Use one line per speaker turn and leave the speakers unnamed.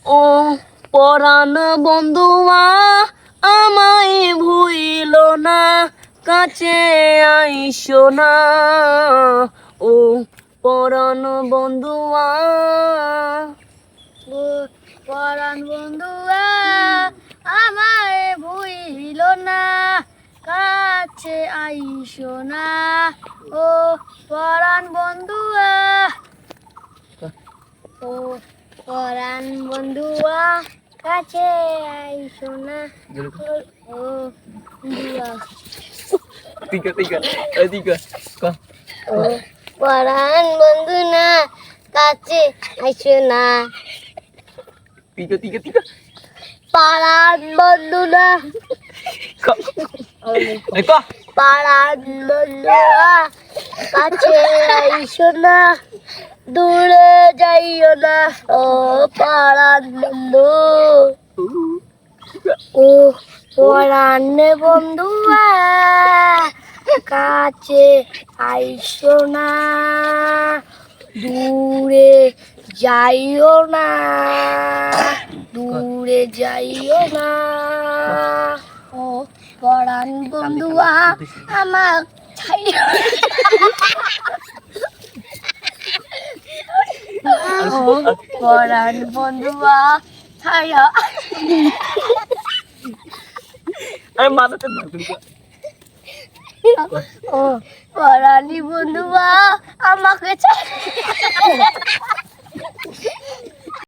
ও পরাণ বন্ধুয়া আমায় ভুইল না, কাছে আইসো না। ও পরাণ বন্ধুয়া,
ও পরাণ বন্ধুয়া আমায় ভুইল না, কাছে আইসো না। ও পরাণ বন্ধুয়া, ও পরাণ বন্ধুয়া কাছে আইসো না। ও বন্ধুয়া, ও পরাণ বন্ধু না, কাছে আইসো না। পাড়ার বন্ধু না, পাড়ার বন্ধু না, কাছে আইসো না, দূরে যাইও না। ও পাড়ার বন্ধু, ও পরাণ বন্ধু কাছে আইসো না, দূরে যাইও না, দূরে যাইও না। ও পরাণ বন্ধুয়া আমার ছাইও ও পরাণ বন্ধুয়া ছাইও।
আরে মাথাতে
ও পরাণী বন্ধুয়া আমাকে ছাই